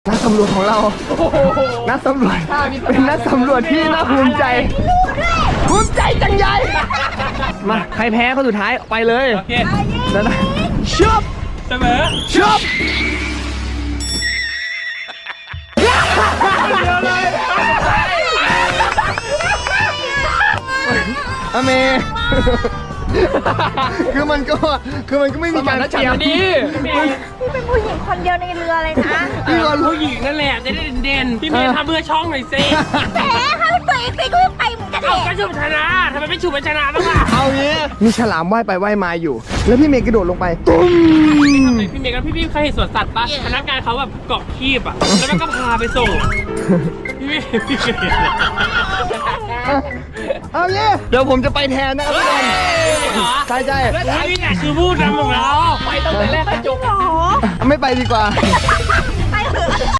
นักสำรวจของเรานักสำรวจเป็นนักสำรวจที่น่าภูมิใจจังใหญ่มาใครแพ้คนสุดท้ายไปเลยโอเคแล้วนะชุบเสมอชุบอเมคือมันก็ไม่มีการเกี่ยวดีพี่เป็นผู้หญิงคนเดียวในเรือเลยนะพี่ก็ผู้หญิงนั่นแหละจะได้เด่นพี่เมย์ทำเพื่อช่องหน่อยสิแหมถ้าตัวเองไปก็ไปเหมือนกันเอากระชุบชนะทำไมไม่ฉุบชนะบ้างล่ะเอางี้มีฉลามว่ายไปว่ายมาอยู่แล้วพี่เมย์กระโดดลงไปตุ้มพี่เมย์กับพี่เคยเห็นสวนสัตว์ปะพนักงานเขาแบบเกาะคีบอ่ะแล้วมันก็พาไปส่งพี่เมย์เอางี้เดี๋ยวผมจะไปแทนนะครับทุกคนใช่นี่แหละคือผู้นำของเราไปตั้งแต่แรกจบไม่ไปดีกว่า